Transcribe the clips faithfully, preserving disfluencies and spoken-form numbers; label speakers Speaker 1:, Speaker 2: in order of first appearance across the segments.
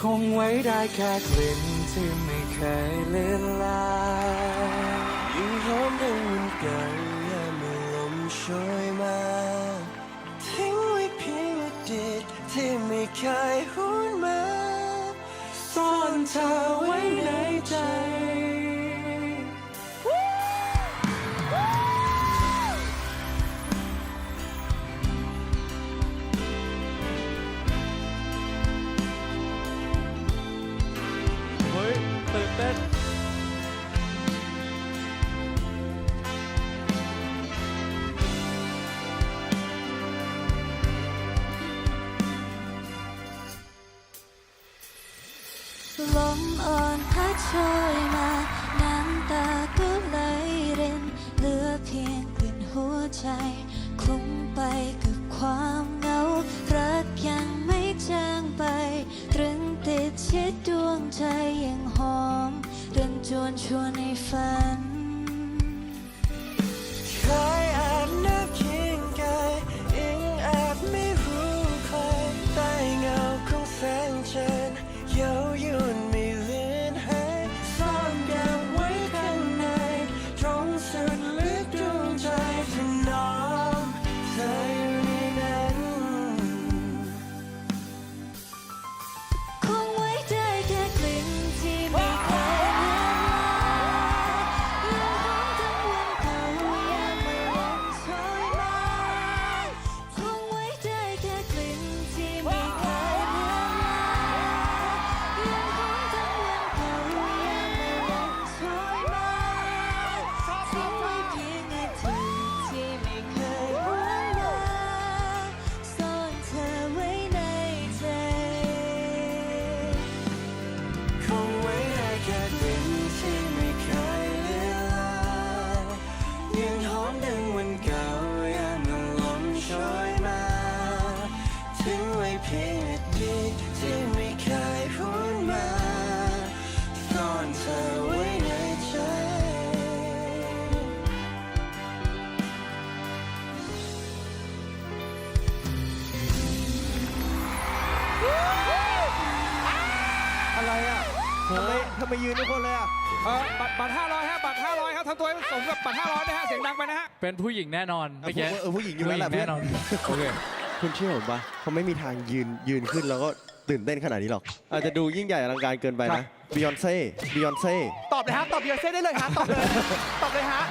Speaker 1: งไว้ได้แค่กลิ่นที่ไม่เคยเลือนลางยิ่งหอมดังวันเก่ายามเมื่อลมโชยมาทิ้งไว้เพียงอดีตที่ไม่เคยหุนมาซ่อนเธอไว้ในใจตื่นเต้น
Speaker 2: ลมอ่อนพัดโชยมาน้ำตาก็ไหลรินเหลือเพียงกลิ่นหัวใจคลุ้งไปกับความเหงารักยังไม่จางไปตรึงติดชิดดวงใจยังหอมเดินจวนชวนในฝัน
Speaker 1: เคยแอบนับเคียงกายยังแอบไม่รู้ใครใต้เงาของแสงจันทร์เย้ายวนไม่เลือนหายซ่อนเก็บไว้ข้างในตรงสุดลึกดวงใจที่น้องเธออยู่ในนั้น
Speaker 2: คงไว้ได้แค่กลิ่นที่ไม่เคยเลือนลางยังหอมทั้งวันเก่ายามเมื่อลมโชยมาคงไว้ได้แค่กลิ่นที่ไม่เคยเลือนลางยังหอมทั้งวันเก่ายามเมื่อลมโชยมาทิ้งไว้เพียงอดีตที่ไม่เคยหวนมาซ่อนเธอไว้ในใจ
Speaker 1: คงไว้ได้แค่กลิ่นที่ไม่เคยเลือนลางยังหอมดังวันเก่ายามเมื่อลมโชยมาทิ้งไว้เพียงอดีตที่ไม่เคยหุนมาซ่อนเธอไว้ในใจ
Speaker 3: อะไรอ่ะทำไมทำไมยืนทุกคนเลยอ่ะ
Speaker 4: เออบัตรบัตรห้าร้อยฮะบัตรห้าร้อยครับทำตัวให้สมกับบัตรห้าร้อยนะฮะเสียงดังไปนะฮะ
Speaker 5: เป็นผู้หญิงแน่นอนเมื่อกี้
Speaker 3: เออผู้หญิงอยู่แล้วแหละ
Speaker 5: ผู้หญิงแน่นอน
Speaker 3: โอเคคุณเชื่อผมปะเขาไม่มีทางยืนยืนขึ้นแล้วก็ตื่นเต้นขนาดนี้หรอก อาจจะดูยิ่งใหญ่อลังการเกินไปนะบิยอนเซ่บิยอนเซ่
Speaker 6: ตอบเลยฮะ ตอบบิยอนเซ่ได้เลยฮะ ตอบเลย ตอบเลยฮะ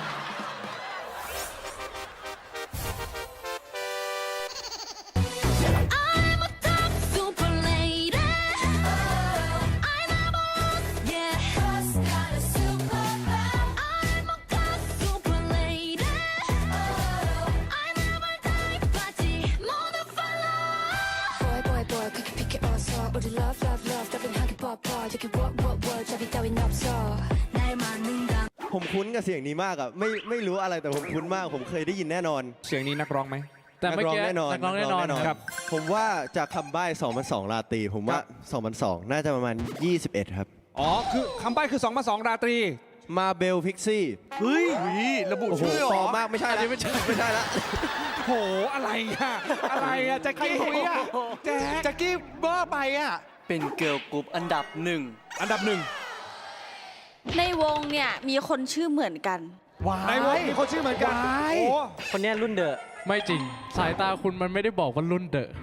Speaker 2: I'm a top super lady. I never lose, yeah. Cause got a super power. I'm a top super lady. I never die, party, mother follow.
Speaker 7: boy boy boy 그렇게 피게 어서 우리 love love love 따분하게 뻗어 여기 what what what 저기 따윈 없어 날 맞는다
Speaker 3: ผมคุ้นกับเสียงนี้มากอ่ะไม่ไม่รู้อะไรแต่ผมคุ้นมากผมเคยได้ยินแน่นอน
Speaker 4: เสียงนี้นักร้องไหม
Speaker 5: แต่
Speaker 3: นัก
Speaker 5: เมื่อ
Speaker 3: ร้อง
Speaker 5: กี้
Speaker 3: แน่นอน
Speaker 5: นักร้องแน่นอน
Speaker 3: ก
Speaker 5: ครับ
Speaker 3: ผมว่าจากคำใบ้สองพันสองราตรีผมว่าสองพันสองน่าจะประมาณยี่สิบเอ็ดครับ
Speaker 4: อ๋อคือคำใบ้คือสองมาสองราตรี
Speaker 3: มาเบลพิกซี่
Speaker 6: เฮ้ย ระบุ
Speaker 3: โอ้โห
Speaker 6: ชื่อเหร
Speaker 3: ปลอ
Speaker 6: อ
Speaker 3: มมากไม่ใช่แล้วไม่ใช่ไม่ใช่แล้ว
Speaker 4: โหอะไรอะอะไรอะแจ็ค
Speaker 6: ใคร
Speaker 4: กี้
Speaker 6: คุยอ่ะ
Speaker 4: แจ็ค
Speaker 6: แจ็คกี้เบอร์ไปอ่ะ
Speaker 1: เป็นเกิร์ลกรุ๊ปอันดับหนึ่ง
Speaker 4: อันดับหนึ่ง
Speaker 8: ในวงเนี่ยมีคนชื่อเหมือนกัน
Speaker 6: ว้าย
Speaker 4: ในวงมีคนชื่อเหมือนกัน
Speaker 6: ว้าย
Speaker 4: โอ้
Speaker 1: คนนี้รุ่นเดอะ
Speaker 5: ไม่จริง สายตาคุณมันไม่ได้บอกว่ารุ่นเดอะ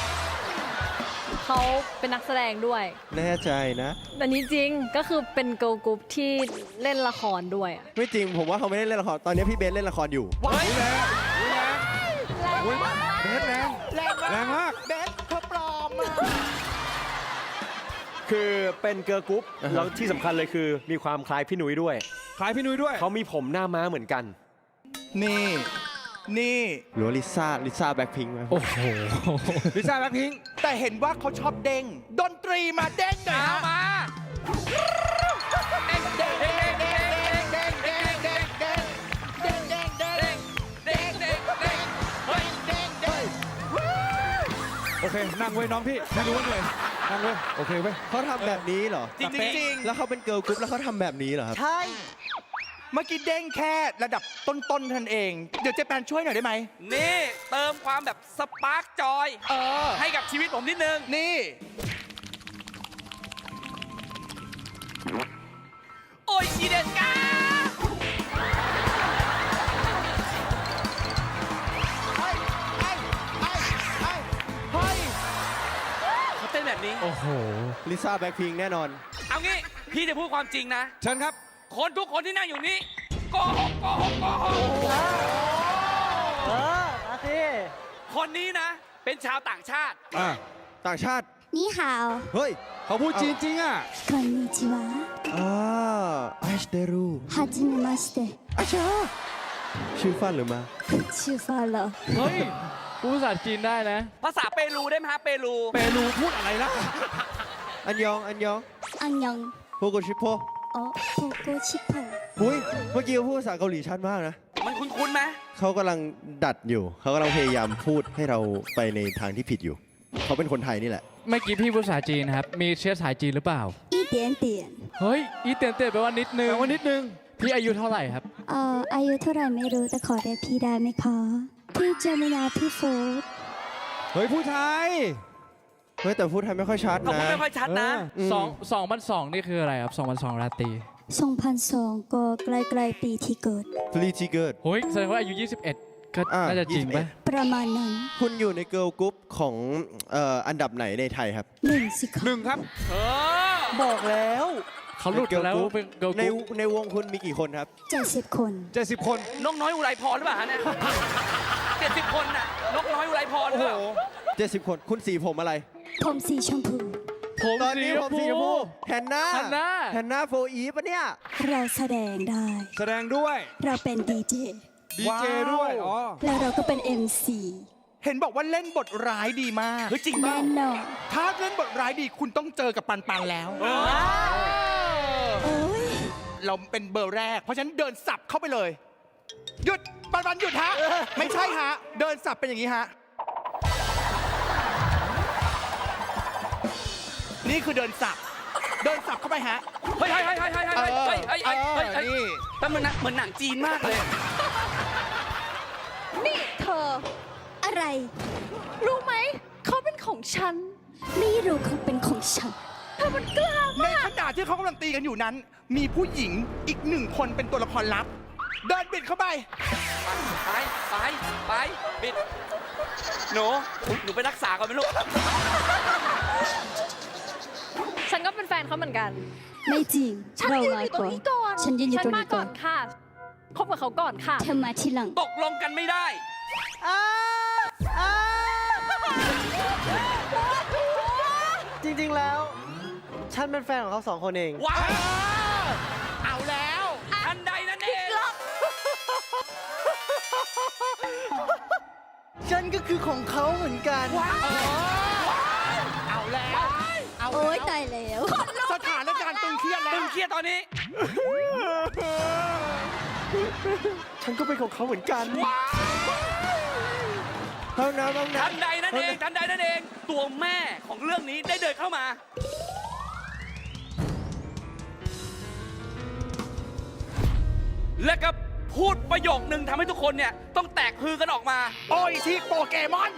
Speaker 9: เขาเป็นนักแสดงด้วย
Speaker 3: แน่ใจนะ
Speaker 9: อันนี้จริงก็คือเป็นเกิร์ลกรุ๊ปที่เล่นละครด้วยอะ
Speaker 3: ไม่จริงผมว่าเขาไม่ได้เล่นละครตอนนี้พี่เบสเล่นละครอยู่
Speaker 4: ว้ายแรงแรงอุ๊ยเบสแรง
Speaker 6: แรง
Speaker 4: แรงมาก
Speaker 6: เบสเขาปลอมอ่ะ
Speaker 10: คือเป็นเกิร์ลกรุ๊ปแล้วที่สำคัญเลยคือมีความคล้ายพี่นุ้ยด้วย
Speaker 4: คล้ายพี่นุ้ยด้วย
Speaker 10: เขามีผมหน้าม้าเหมือนกัน
Speaker 6: นี่ นี่
Speaker 3: หรือว่าลิซ่าลิซ่าแบ็คพิงค์ไหม
Speaker 5: โอ้โห
Speaker 4: ลิซ่าแบล็คพิงค์
Speaker 6: แต่เห็นว่าเขาชอบเด้ง ดนตรีมาเด้งหน่อย
Speaker 4: เอา
Speaker 6: ฮะ
Speaker 4: มา
Speaker 6: เด้งเด้งเด้งเด้งเด้งเด้งเด้งเด้งเด้งเด้งเด้งเด้งเด้งเด้งเด้งเฮ้ยเด้งเด้ง
Speaker 4: โอเคนั่งเว้ยน้องพี่ไม่รู้ว่าเหนื่อยนั่งเว้ยโอเคเว้ย
Speaker 3: เขาทำแบบนี้เหรอ
Speaker 6: จริงจริง
Speaker 3: แล้วเขาเป็นเกิร์ลกรุ๊ปแล้วเขาทำแบบนี้เหรอครับ
Speaker 6: ใช่ เมื่อกี้เด้งแค่ระดับต้นๆเท่านั้นเอง เดี๋ยวเจแปนช่วยหน่อยได้ไหม
Speaker 11: นี่เติมความแบบสปาร์กจอย
Speaker 6: เออ
Speaker 11: ให้กับชีวิตผมนิดนึง
Speaker 6: นี่
Speaker 5: โอ้โห
Speaker 3: ลิซ่าแบ็คพิงแน่นอน
Speaker 6: เอางี้พี่จะพูดความจริงนะ
Speaker 4: เชิญครับ
Speaker 6: คนทุกคนที่นั่งอยู่นี้โกหกโกหกโกหก
Speaker 10: เออมาสิ
Speaker 6: คนนี้นะ เป็นชาวต่างชาติ
Speaker 4: อ่า
Speaker 3: ต่างชาติ
Speaker 7: นี่ฮาว
Speaker 3: เฮ้ย
Speaker 4: เขาพูดจีนจริงอ่ะ
Speaker 7: こんにちは
Speaker 3: อ่าไอชเดรู
Speaker 7: はじめまして
Speaker 3: อาชาชื่อฟันหรือมา
Speaker 7: ชื่อฟาโล
Speaker 5: เฮ้ยพูดภาษาจีนได้นะ
Speaker 6: ภาษาเปรูได้ไหมฮะเปรู
Speaker 4: เปรูพูดอะไรล่ะ
Speaker 3: อันยอง อันยอง
Speaker 7: อันยอง
Speaker 3: โพโกชิโพ
Speaker 7: อ๋อโปโกชิโพ
Speaker 3: หุยเมื่อกี้เขาพูดภาษาเกาหลีชัดมากนะ
Speaker 6: มันคุ้นๆไหม
Speaker 3: เขากำลังดัดอยู่ เขากำลังพยายามพูดให้เราไปในทางที่ผิดอยู่ เขาเป็นคนไทยนี่แหละ
Speaker 5: เมื่อกี้พี่พูดภาษาจีนนะครับ มีเชื้อสายจีนหรือเปล่า
Speaker 7: อีเดียนเดียน
Speaker 5: เฮ้ย อีเตียนเตียนแปลว่านิดนึง
Speaker 4: แปลว่านิดนึง
Speaker 5: พี่อายุเท่าไหร่ครับ
Speaker 7: เอ่ออายุเท่าไหร่ไม่รู้แต่ขอเรียกพี่ได้ไหมคะพี่เจมินาพี่โฟร์
Speaker 4: เฮ้ยผู้ไทย
Speaker 3: เฮ้ยแต่พูดไทยไม่ค่อยชัด
Speaker 6: เขา
Speaker 3: นะ
Speaker 6: พูดไม่ค่อยชัดนะ
Speaker 3: อืม
Speaker 5: สองสองพันสองนี่คืออะไรครับสองพันสองราตรี
Speaker 7: สองพันสองก็ใกล้ๆปีที่เกิด
Speaker 3: ฟรีจีเกิด
Speaker 5: เฮ้ยแสดงว่าอายุ ยี่สิบเอ็ด ก็
Speaker 3: อ่า
Speaker 5: น่าจะจริง
Speaker 3: ยี่สิบเอ็
Speaker 5: ปะ
Speaker 3: ด
Speaker 7: ประมาณนั้น
Speaker 3: คุณอยู่ในเกิร์ลกรุ๊ปของเอ่ออันดับไหนในไทยครับ
Speaker 7: หนึ่งสิคะ
Speaker 4: หนึ่งครับ
Speaker 6: เออ
Speaker 3: บอกแล้ว
Speaker 5: เขาหลุดกันแล้วเป็นเกิร์ลก
Speaker 3: ใน
Speaker 5: รุ๊ป
Speaker 3: ในวงคุณมีกี่คนครับ
Speaker 7: เจ็ดสิบคน
Speaker 4: เจ็ดสิบคน
Speaker 6: นกน้อยอุไรพรหรือเปล่าฮะเนี่ยเจ็ดสิบคนน่ะ นกน้อยอุไรพรห
Speaker 4: โอ้
Speaker 6: รือ
Speaker 4: โห
Speaker 6: เปล่า
Speaker 3: เจ็ดสิบคน คุณสีผมอะไร
Speaker 7: ผมสีชมพู
Speaker 5: ผม
Speaker 3: ตอนนี้ผมสีชมพูแฮนนา
Speaker 5: แฮนนา
Speaker 3: แฮนนาโฟอีปะเนี่ย
Speaker 7: เราแสดงได้
Speaker 4: แสดงด้วย
Speaker 7: เราเป็นดีเจ
Speaker 4: ดีเจด้วย อ๋อ
Speaker 7: แล้วเราก็เป็น เอ็ม ซี
Speaker 11: เห็นบอกว่าเล่นบทร้ายดีมาก
Speaker 6: เฮ้ยจริงเปล่า
Speaker 7: แน่นอน
Speaker 11: ถ้าเล่นบทร้ายดีคุณต้องเจอกับปันปันแล้ว
Speaker 7: โอ้ย
Speaker 11: เราเป็นเบอร์แรก เพราะฉะนั้นเดินสับเข้าไปเลย หยุดปันปันหยุดฮะ ไม่ใช่ฮะ เดินสับเป็นอย่างนี้ฮะ นี่คือเดินสับ เดินสับเข้าไปฮะ
Speaker 6: เฮ้ยเฮ้ยเฮ้ยเฮ้ยเฮ้ยเฮ้ยเฮ้ยเฮ้ยเฮ้ยเฮ้ยเฮ้ย
Speaker 11: นี่
Speaker 6: แต่มันนะเหมือนหนังจีนมากเลย
Speaker 9: นี่เธอ
Speaker 7: อะไร
Speaker 9: รู้ไหม เขาเป็นของฉัน
Speaker 7: ไม่รู้เขาเป็นของฉัน
Speaker 9: เธอมันกล้า
Speaker 11: ในขณะที่เขากำลังตีกันอยู่นั้น มีผู้หญิงอีกหนึ่งคนเป็นตัวละครลับ เดินบิดเข้าไป
Speaker 6: ไปไปไปบิดหนูหนูไปรักษาก่อนไหมลูก
Speaker 9: ฉันก็เป็นแฟนเขาเหมือนกัน
Speaker 7: ไม่จริง
Speaker 9: ฉัน
Speaker 7: เรา
Speaker 9: ยืน
Speaker 7: มา
Speaker 9: อยู่ตร
Speaker 7: ก่
Speaker 9: ง
Speaker 7: อน
Speaker 9: นี้ก่อน
Speaker 7: ฉันยืนอยู่ตรง
Speaker 9: มา
Speaker 7: นี้
Speaker 9: ก่
Speaker 7: ก่
Speaker 9: อ
Speaker 7: อน
Speaker 9: นค่ะ คบกับเขาก่อนค่ะ
Speaker 7: เธอมาทีหลัง
Speaker 6: ตกลงกันไม่ได้
Speaker 10: จริงๆแล้ว ฉันเป็นแฟนของเขาสองคนเอง
Speaker 6: ว้าว
Speaker 11: เอาแล้ว
Speaker 6: ทันใดนั่นเอง
Speaker 10: ฉันก็คือของเขาเหมือนกัน
Speaker 11: เอาแล้ว เอา
Speaker 7: โอ๊ย
Speaker 11: แล้ว
Speaker 7: ตายแล้ว
Speaker 11: สถานการณ์ตึงเครียดแล้
Speaker 6: ตึ
Speaker 11: ว
Speaker 6: งเครียดตอนนี้
Speaker 10: ฉันก็เป็นของเขาเหมือนกัน
Speaker 3: ห้องน้ำห้องน้
Speaker 6: ทันใดนั่นเอง ทันใดนั่นเอง ตัวแม่ของเรื่องนี้ได้เดินเข้ามา และก็พูดประโยคนึงทำให้ทุกคนเนี่ยต้องแตกฮือกันออกมา
Speaker 11: โอ้ยที่โปเกมอน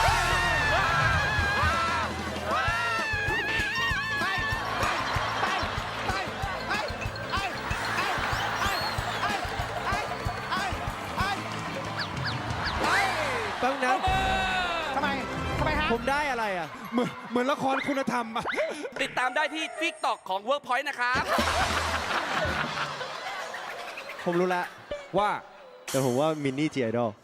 Speaker 3: ำห้องน้
Speaker 11: ทำไม ทำไมฮะ
Speaker 3: ำผมได้อะไรอ่ะ
Speaker 4: เหมือนเหมือนละครคุณธรรมอะ
Speaker 6: ติดตามได้ที่ TikTok ของ Workpoint นะครับ
Speaker 3: ผมรู้ละ
Speaker 4: ว่า
Speaker 3: แต่ผมว่ามินนี่จีไอดอล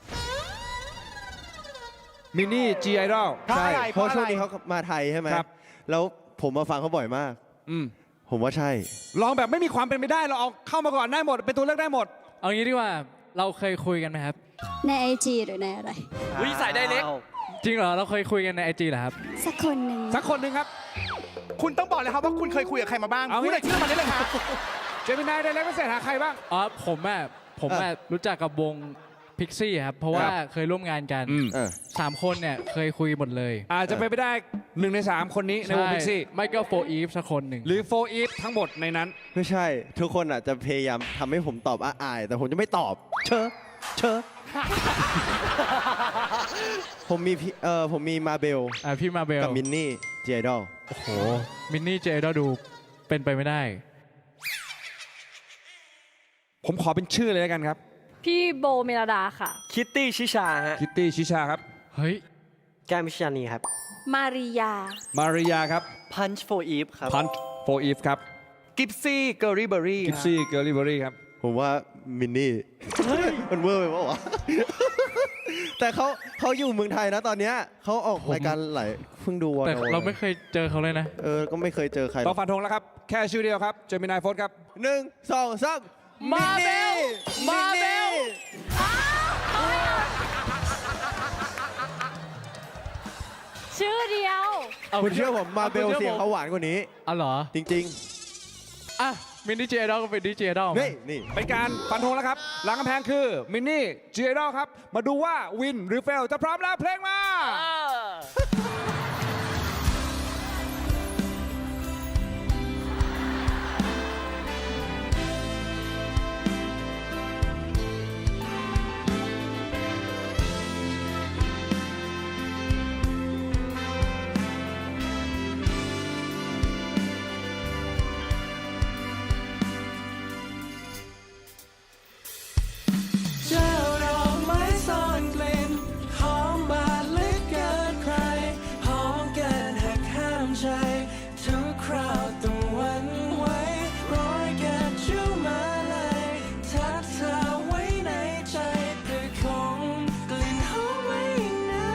Speaker 4: มินนี่จีไอดอล
Speaker 11: เพราะอะไร
Speaker 3: เพราะ
Speaker 11: เพราะอะไร
Speaker 3: ช่วงนี้เขามาไทยใช่ไหม
Speaker 4: ครับ
Speaker 3: แล้วผมมาฟังเขาบ่อยมาก
Speaker 4: อืม
Speaker 3: ผมว่าใช่
Speaker 4: ลองแบบไม่มีความเป็นไปได้ เราเอาเข้ามาก่อนได้หมด เป็นตัวเลือกได้หมด
Speaker 5: เอางี้ดีกว่า เราเคยคุยกันไหมครับ
Speaker 7: ในไอจีหรือในอะไร
Speaker 6: วิสายได้เล็ก
Speaker 5: จริงเหรอ เราเคยคุยกันในไอจีเหรอครับ
Speaker 7: สักคนหนึ่ง
Speaker 4: สักคนหนึ่งครับ
Speaker 11: คุณต้องบอกเลยครับว่าคุณเคยคุยกับใครมาบ้าง
Speaker 4: เอางี้
Speaker 11: พูดรายชื่อมาได้เลยครับ
Speaker 4: เจมินายได้แล้วไม่เสร็จหาใครบ้าง
Speaker 5: อ๋อ ผมอะผมอะรู้จักกับวงพิกซี่ครับ เพราะว่า
Speaker 4: ครับ
Speaker 5: เคยร่วมงานกัน
Speaker 4: อืม
Speaker 3: เออ
Speaker 5: สามคนเนี่ยเคยคุยหมดเลย
Speaker 4: อาจจะไปนไม่ได้หนึ่งในสามคนนี้ในวงพิกซี่
Speaker 5: ใช่ไม่ก็โฟอีฟสักคนหนึ่ง
Speaker 4: หรือโฟอีฟทั้งหมดในนั้น
Speaker 3: ไม่ใช่ ทุกคนอ่ะจะพยายามทำให้ผมตอบอ้ายๆแต่ผมจะไม่ตอบ เชอะเชอะ ผมมีพี่เออผมมีมาเบล
Speaker 5: อ่าพี่มาเบล
Speaker 3: กับมินนี่จีไอดอล
Speaker 5: โอ้โห มินนี่เจดดูเป็นไปไม่ได้
Speaker 4: ผมขอเป็นชื่อเลยแล้วกันครับ
Speaker 9: พี่โบเมลดาค่ะ
Speaker 10: คิตตี้ชิชาฮะ
Speaker 4: คิตตี้ชิชาครับ
Speaker 5: เฮ้ย
Speaker 10: แก้มวิชญานีครับ
Speaker 8: มาริยา
Speaker 4: มาริยาครับ
Speaker 10: Punch for Eve ครับ
Speaker 4: พันโฟอีฟครับ
Speaker 11: กิฟซี่เกอรี่เบอรี่
Speaker 4: กิฟซี่เกอร์ลี่เบอรี่ครับ
Speaker 3: ผมว่ามินนี่ มันเวอร์ไปปะวะ แต่เขาเขาอยู่เมืองไทยนะตอนเนี้ยเขาออกรายการหลายเพิ่งดูวอ
Speaker 5: แต่
Speaker 3: โน
Speaker 5: เราไม่เคยเจอเขาเลยนะ
Speaker 3: เออ ก็ไม่เคยเจอใคร
Speaker 4: ต้องฟันธงแล้วครับ แค่ชื่อเดียวครับเจมินายโฟสครับ
Speaker 3: หนึ่งสองสาม
Speaker 8: มาเบลมาเบล
Speaker 9: ชื่อเดียว
Speaker 3: คุณเชื่อผมมาเบลเสียงเขาหวานกว่านี้
Speaker 5: อ๋อเหรอ
Speaker 3: จริง
Speaker 5: อ่ะมินนี่เจไอดอลก็เป็นดีเจไอดอล
Speaker 3: ๆ นี่นี่
Speaker 4: เป็นการฟันธงแล้วครับ หลังกำแพงคือมินนี่เจไอดอลครับ มาดูว่าวินหรือเฟลจะพร้อมแล้วเพลงมา
Speaker 1: เจ้าดอกไม้ซ่อนกลิ่นหอมบาดลึกเกินใครหอมเกินหักห้ามใจทุกคราวต้องหวั่นไหวร้อยเกิดชูมาเลยทักเธอไว้ในใจแต่คงกลิ่นหอมไม่นาน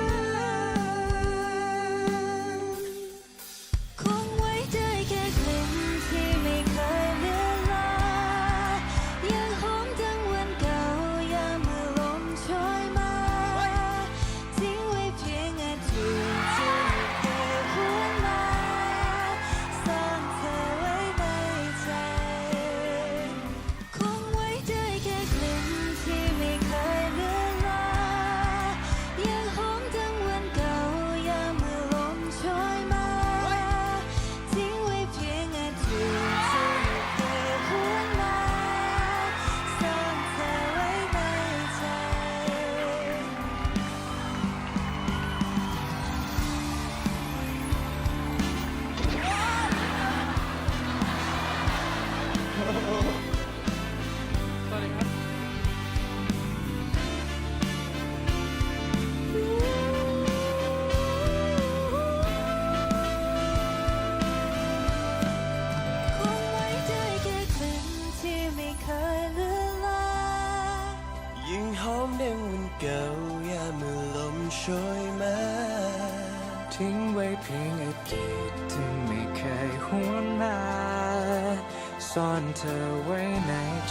Speaker 2: คงไว้ได้แค่กลิ่นที่ไม่เคยเลือนลางยังหอมดังวันเก่ายามเมื่อลมโชยมาทิ้งไว้เพียงอดีตที่ไม่เคยหวนมาซ่อนเธอไว้ในใจ คงไว้ได้แค่กลิ่นที่ไม่เคยเลือนลางยังหอมดังวันเก่ายามเมื่อลมโชยมาทิ้งไว้เพียงอดีตที่ไม่เคยหวนมาซ่อนเธอไว้ในใจ
Speaker 5: สวัสดีครับ
Speaker 2: คงไว้ได้แค่กลิ่นที่ไม่เคยเลือนลาง
Speaker 1: ยิ่งหอมดังวันเก่ายามเมื่อลมโชยมาทิ้งไว้เพียงอดีตที่ไม่เคยหวนมาซ่อนเธอไว้ในใจ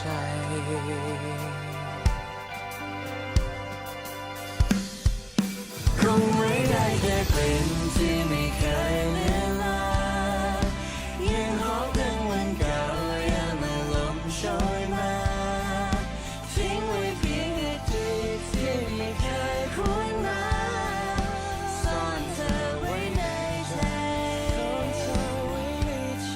Speaker 1: คงไว้ได้แค่กลิ่นที่ไม่เคยเลือนลางยังหอมดังวันเก่ายามเมื่อลมโชยมาทิ้งไว้เพียงอดีตที่ไม่เคยหวนมาซ่อนเธอไว้ในใจซ่อนเธอไว้ในใจ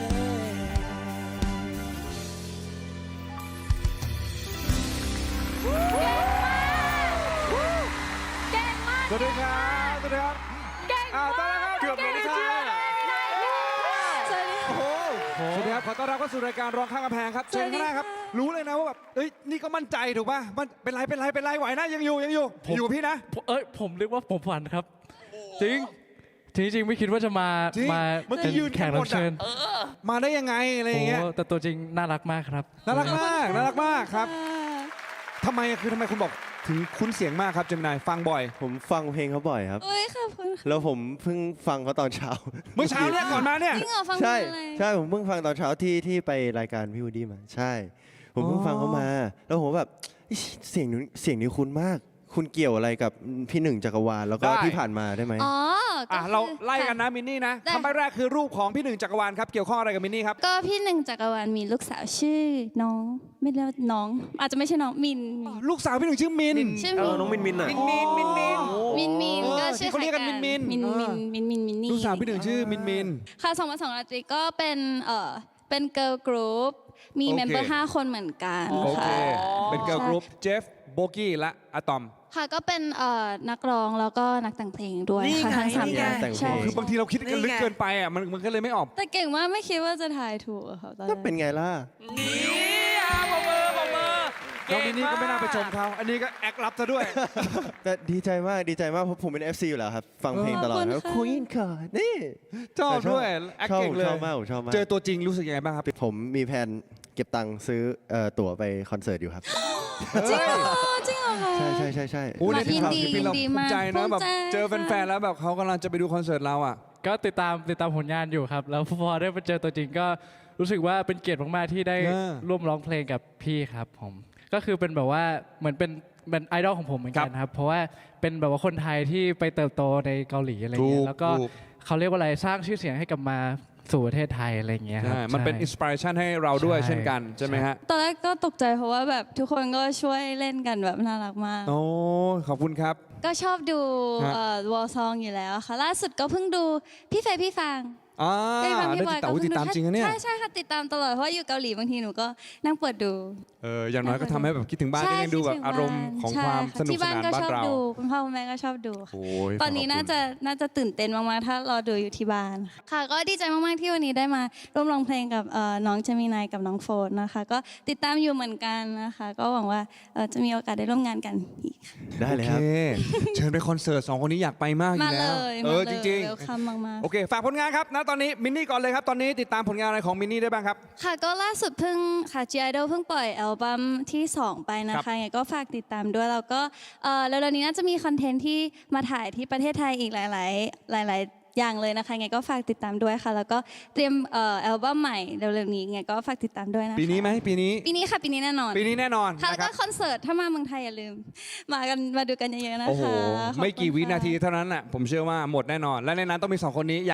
Speaker 9: เก่งมาก
Speaker 4: สวัสดีครับ สวัสดีครับ
Speaker 9: เก่ง
Speaker 4: อ่าม
Speaker 9: าก
Speaker 4: ต้อนรับครับเกือบเลยนะครั
Speaker 9: สวัสดีค่ะ
Speaker 4: สวัสดีครับ ขอต้อนรับเข้าสู่รายการร้องข้างกำแพงครับ เชิญข้างหน้าครับ รู้เลยนะว่าแบบ เอ้ย นี่ก็มั่นใจถูกป่ะมันเป็นไร เป็นไร เป็นไร ไหวนะ ยังอยู่ ยังอยู่ อยู่กับพี่นะ
Speaker 5: ผมเอ้ยผมนึกว่าผมฝันครับ จริง จริงจริงๆไม่คิดว่าจะมา
Speaker 4: จริง
Speaker 5: มา
Speaker 4: เมื่อกี้ยืน
Speaker 5: แขก
Speaker 4: กันหม
Speaker 5: รั
Speaker 4: ด
Speaker 5: บ
Speaker 4: อะ
Speaker 5: เชิญ
Speaker 4: มาได้ยังไง อะไรอย่างเงี้ย
Speaker 5: โอ้แต่ตัวจริงน่ารักมากครับ
Speaker 4: น่ารักมาก น่ารักมากครับทำไมอะคือทำไมคุณบอกถึงคุ้นเสียงมากครับเจมินายฟังบ่อย
Speaker 3: ผมฟังเพลงเขาบ่อยครับ
Speaker 2: โอ้ยขอบคุณค่ะ
Speaker 3: แล้วผมเพิ่งฟังเขาตอนเช้า
Speaker 4: เมื่อเช้าเนี่ยก่อนมาเนี่ย
Speaker 2: จริงเหรอฟัง
Speaker 3: ใช่
Speaker 2: เพลงอะไร
Speaker 3: ใช่ผมเพิ่งฟังตอนเช้าที่ที่ไปรายการพี่วูดดี้มา ใช่ ผมเพิ่งฟังเขามา แล้วผมแบบอิ๊ยเสียงนี้เสียงนี้คุ้นมาก คุณเกี่ยวอะไรกับพี่หนึ่งจักรวาลแล้วก็
Speaker 4: ได้
Speaker 3: ที่ผ่านมาได้ไหม
Speaker 2: อ๋อก็
Speaker 4: อ่ะ
Speaker 2: คือ
Speaker 4: เราไล่กันนะมินนี่นะ
Speaker 2: ได้
Speaker 4: คำใบแรกคือรูปของพี่หนึ่งจักรวาลครับ เกี่ยวข้องอะไรกับมินนี่ครับ
Speaker 2: ก็พี่หนึ่งจักรวาลมีลูกสาวชื่อน้อง ไม่เรียกว่าน้อง อาจจะไม่ใช่น้องมิน
Speaker 4: ลูกสาวพี่หนึ่งชื่อมิน
Speaker 2: ชื่อ
Speaker 10: เอ
Speaker 2: มิ
Speaker 10: อน น้องมินมินอ่ะ
Speaker 11: มินมินมินมิน
Speaker 2: มินมิน
Speaker 4: เออ
Speaker 2: ก็ชื่อ
Speaker 4: ที่เขาเรียกกัน
Speaker 2: คล้
Speaker 4: มินมิน
Speaker 2: มิน
Speaker 4: เอ
Speaker 2: มิ
Speaker 4: อ
Speaker 2: นมินมินมินนี่
Speaker 4: ลูกสาวพี่หนึ่งชื่อมินมิน
Speaker 2: ค่ะสองพันสองราตรีก็เป็นเอ่อเป็นเกิร์ลกรุ๊ปมี
Speaker 4: โอเค
Speaker 2: เมมเบอร์ห้าคนเหมือนกัน
Speaker 4: โอเค
Speaker 2: ค่ะ
Speaker 4: เป็นเกิร์ลกรุ๊ปเจฟโบกี้และอะตอม
Speaker 2: ค่ะก็เป็นเอ่อนักร้องแล้วก็นักแต่งเพลงด้วย
Speaker 6: นี่
Speaker 2: ค่ะ
Speaker 6: ไง
Speaker 2: ทั้งสาม
Speaker 6: นี่ไง
Speaker 2: อย่าง
Speaker 3: แต่งเพลง
Speaker 2: ใช่
Speaker 4: คือบางทีเราคิดกันลึกเกินไปอ่ะมันมันก็เลยไม่ออก
Speaker 2: แต่เก่งมากไม่คิดว่าจะทายถูกอะค่ะตอน
Speaker 3: ก็
Speaker 2: แรก
Speaker 3: เป็นไงล่ะ
Speaker 6: นี่อ่ะปรบมือปรบมือ
Speaker 4: น้องมินนี่ก็ไม่น่าไปชมเขาอันนี้ก็แอครับซะด้วย
Speaker 3: แต่ดีใจมากดีใจมากเพราะผมเป็น เอฟ ซี อยู่แล้วครับ ฟังเพลงตลอด
Speaker 9: ขอบคุณ
Speaker 3: แล้ว
Speaker 9: ค่ะ
Speaker 3: คุยนค่ะนี่
Speaker 4: ชอบ
Speaker 3: แต่
Speaker 4: ด้วยแอค
Speaker 3: ชอบ
Speaker 4: เก่งเลย
Speaker 3: ชอบมากผมชอบมาก
Speaker 4: เจอตัวจริงรู้สึกยังไงบ้างครับ
Speaker 3: ผมมีแผนเก็บตังค์ซื้อเอ่อตั๋วไปคอนเสิร์ตอยู่ครับ
Speaker 9: จริงเหรอจริงเหรอคะ
Speaker 3: ใช่ใช่ใช่ใช่
Speaker 4: โอ้ในที่
Speaker 9: ยิน
Speaker 4: ข่าว
Speaker 9: ดี
Speaker 4: ที่พี่เรา
Speaker 9: ยินดี
Speaker 4: ภูมิใจ
Speaker 9: มาก
Speaker 4: นะแบบ
Speaker 9: ภูมิใจ
Speaker 4: เจอแฟนๆแล้วแบบเขากำลังจะไปดูคอนเสิร์ตเราอ่ะ
Speaker 5: ก็ติดตามติดตามผลงานอยู่ครับ แล้วพอได้มาเจอตัวจริงก็รู้สึกว่าเป็นเกียรติมากๆที่ได้
Speaker 4: เออ
Speaker 5: ร่วมร้องเพลงกับพี่ครับผมก็คือเป็นแบบว่าเหมือนเป็นเป็นไอดอลของผมเหมือนกันครับ เพราะว่าเป็นแบบว่าคนไทยที่ไปเติบโตในเกาหลีอะไร
Speaker 4: ถู
Speaker 5: เงี้
Speaker 4: ก
Speaker 5: ยแล้วก็
Speaker 4: ถูก
Speaker 5: เขาเรียกว่าอะไรสร้างชื่อเสียงให้กลับมาสู่ประเทศไทยอะไรเงี้ยครับ
Speaker 4: ใช่มันเป็นอิน
Speaker 5: ใช่
Speaker 4: สปิเรชันให้เราด้วย
Speaker 5: ใช่
Speaker 4: เช่นกันใช่ไหมฮะ
Speaker 9: ตอนแรกก็ตกใจเพราะว่าแบบทุกคนก็ช่วยเล่นกันแบบน่ารักมาก
Speaker 4: โอ้ ขอบคุณครับ
Speaker 9: ก็ชอบดู
Speaker 4: ฮะ
Speaker 9: วอลซองอยู่แล้วค่ะ ล่าสุดก็เพิ่งดูพี่เฟย์พี่ฟาง
Speaker 4: อ่า
Speaker 9: พี่ฟาง
Speaker 4: ได้
Speaker 9: พี่บอย
Speaker 4: ติดตามติดตามจริงนะเนี่ย
Speaker 9: ใช่ใช่ค่ะติดตามตลอดเพราะว่าอยู่เกาหลีบางทีหนูก็นั่งเปิดดู
Speaker 4: เออ อย่างน้อยก็ทำให้แบบคิดถึงบ้าน
Speaker 9: ใช่
Speaker 4: ได้ยังดูแบบ
Speaker 9: คิถึ
Speaker 4: อารมณ์ของ
Speaker 9: ใช่
Speaker 4: ความ
Speaker 9: ะ
Speaker 4: สนุก
Speaker 9: ที่
Speaker 4: ส
Speaker 9: บ้าน
Speaker 4: นาน
Speaker 9: ก็
Speaker 4: บ้า
Speaker 9: ช
Speaker 4: น
Speaker 9: อบ
Speaker 4: เรา
Speaker 9: ดูคุณพ่อคุณแม่ก็ชอบดูค่ะ
Speaker 4: โอ้ย
Speaker 9: ตอนนี้
Speaker 4: ขบคุณ
Speaker 9: น่าจะน่าจะตื่นเต้นมากๆ ถ้ารอดูอยู่ที่บ้าน ค่ะ ก็ดีใจมากๆที่วันนี้ได้มาร่วมร้องเพลงกับเอ่อน้องเจมินายกับน้องโฟนนะคะ ก็ติดตามอยู่เหมือนกันนะคะ ก็หวังว่าเอ่อจะมีโอกาสได้ร่วมงานกันอีกค่ะ
Speaker 3: ได้เลย
Speaker 4: โอ
Speaker 3: ครับ
Speaker 4: เค เชิญไปคอนเสิร์ตสองคนนี้อยากไปมากอยู่
Speaker 9: มาเล
Speaker 4: แล้ว
Speaker 9: ย
Speaker 4: เอ
Speaker 9: มา
Speaker 4: อ
Speaker 9: เล
Speaker 4: จ
Speaker 9: ย
Speaker 4: ริง
Speaker 9: เวลคัมมาก
Speaker 4: ๆ โอเค ฝากผลงานครับ ณ ตอนนี้มินนี่ก่อนเลยครับ ตอนนี้ติดตามผลงานอะไรของมินนี่ได้บ้างครับ
Speaker 9: ๆ ค่ะ ก็ล่าสุดเพิ่งค่ะ G Idol เพิ่งปล่อยอัลบั้มที่สองไปนะ
Speaker 4: ครั
Speaker 9: คะ
Speaker 4: บ
Speaker 9: ยังไงก็ฝากติดตามด้วย แล้วก็เอ่อแล้วๆนี้น่าจะมีคอนเทนต์ที่มาถ่ายที่ประเทศไทยอีกหลาย ๆ หลาย ๆ อย่างเลยนะคะยังไงก็ฝากติดตามด้วยค่ะ แล้วก็เตรียมเอ่ออัลบั้มใหม่เร็วๆนี้ยังไงก็ฝากติดตามด้วยนะคะ
Speaker 4: ปีนี้ไหมปีนี้
Speaker 9: ปีนี้ค่ะปีนี้แน่นอน
Speaker 4: ปีนี้แน่นอน
Speaker 9: ค่ะ
Speaker 4: นะ
Speaker 9: แล้ว
Speaker 4: ค
Speaker 9: ก็
Speaker 4: รับ
Speaker 9: คอนเสิร์ตถ้ามาเมืองไทยอย่าลืม มากันมาดูกันเยอะๆนะคะ
Speaker 4: โอ้โห
Speaker 9: ขอบคุณ
Speaker 4: ไม่กี่วิ
Speaker 9: ค่ะ
Speaker 4: นาทีเท่านั้นน่ะผมเชื่อว่าหมดแน่นอน และในนั้นต้องมีสองคนนี้